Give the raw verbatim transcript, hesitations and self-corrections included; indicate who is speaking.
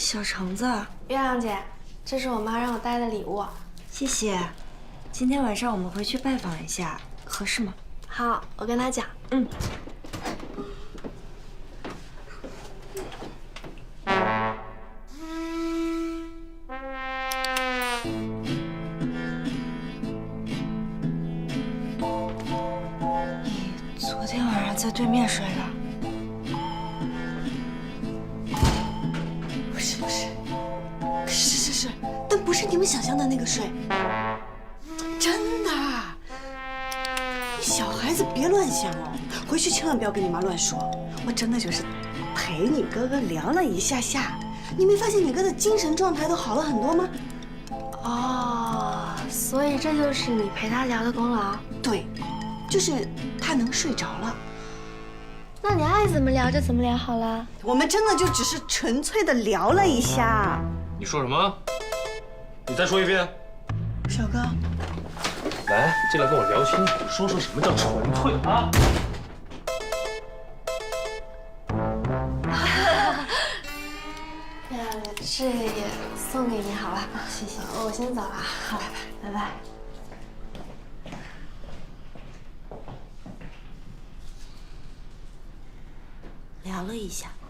Speaker 1: 小橙子，
Speaker 2: 月亮姐，这是我妈让我带的礼物，
Speaker 1: 谢谢。今天晚上我们回去拜访一下，合适吗？
Speaker 2: 好，我跟她讲。
Speaker 1: 嗯。你昨天晚上在对面睡的？
Speaker 3: 不是不是，是是是，但不是你们想象的那个睡，真的。你小孩子别乱想哦，回去千万不要跟你妈乱说。我真的就是陪你哥哥聊了一下下，你没发现你哥的精神状态都好了很多吗？
Speaker 2: 哦，所以这就是你陪他聊的功劳。
Speaker 3: 对，就是他能睡着了。
Speaker 2: 那你爱怎么聊就怎么聊好了。
Speaker 3: 我们真的就只是纯粹的聊了一下。
Speaker 4: 你说什么？你再说一遍。
Speaker 3: 小哥，
Speaker 4: 来，进来跟我聊清楚，说说什么叫纯粹啊？
Speaker 2: 哎呀，这也送给你好吧？谢谢，我先走了。好，拜拜，拜拜。
Speaker 1: 聊了一下。